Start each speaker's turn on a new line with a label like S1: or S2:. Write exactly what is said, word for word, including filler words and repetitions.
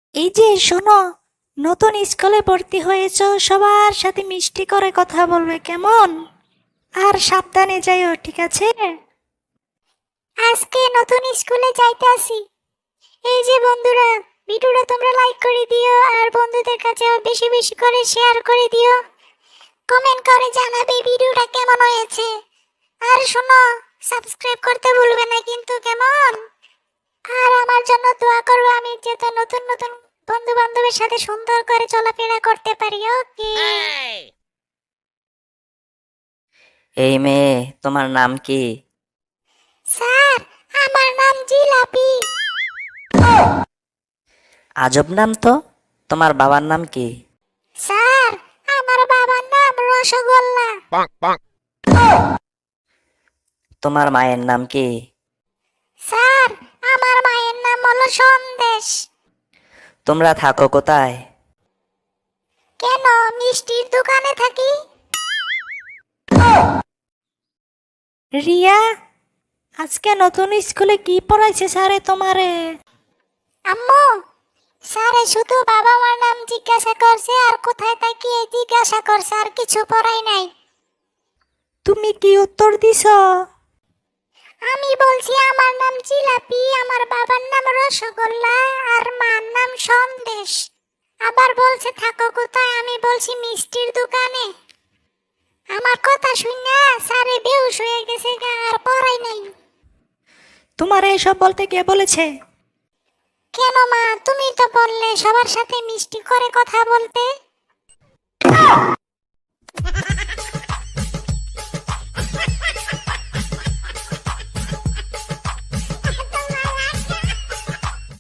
S1: এই যে শোনো, নতুন স্কুলে ভর্তি হয়েছো, সবার সাথে মিষ্টি করে কথা বলবে কেমন? আর সাবধানে যাইও, ঠিক আছে?
S2: আজকে নতুন স্কুলে যাইতে আসি। এই যে বন্ধুরা, ভিডিওটা তোমরা লাইক করে দিও আর বন্ধুদের কাছে বেশি বেশি করে শেয়ার করে দিও। কমেন্ট করে জানাবে ভিডিওটা কেমন হয়েছে। আর শোনো, সাবস্ক্রাইব করতে ভুলবে না কিন্তু, কেমন? আর আমার জন্য দোয়া করবে, আমি যাতে নতুন নতুন বন্ধু বান্ধবের সাথে সুন্দর করে চলাফেরা করতে পারি। ওকে।
S3: এই মেয়ে, তোমার নাম কি?
S2: স্যার, আমার নাম জিলাপি।
S3: আজব নাম তো। তোমার বাবার নাম কি?
S2: স্যার, আমার বাবার নাম রসগোল্লা।
S3: তোমার মায়ের নাম কি?
S2: স্যার, আমার মায়ের নাম হলো সন্দেশ।
S3: তোমরা থাকো কোথায়?
S2: কেন, মিষ্টির দোকানে থাকি।
S1: রিয়া, আজকে নতুন স্কুলে কি পড়াইছে স্যারে তোমারে?
S2: আম্মু, স্যারে শুধু বাবা মার নাম জিজ্ঞাসা করছে আর কোথায় থাকি এই জিজ্ঞাসা করছে, আর কিছু পড়াই নাই।
S1: তুমি কি উত্তর দিছ?
S2: আমি বলছি আমার নাম জিলাপি, আমার বাবার নাম রসগোল্লা আর মার নাম সন্দেশ। আবার বলছে থাকো কোথায়, আমি বলছি মিষ্টির দোকানে। আমার কথা শুনে স্যারে বেহুশ হয়ে গেছে গা, আর পড়াই নাই।
S1: তোমার এসব বলতে কে বলেছে?
S2: কেন মা, তুমি তো বললে সবার সাথে মিষ্টি করে কথা বলতে।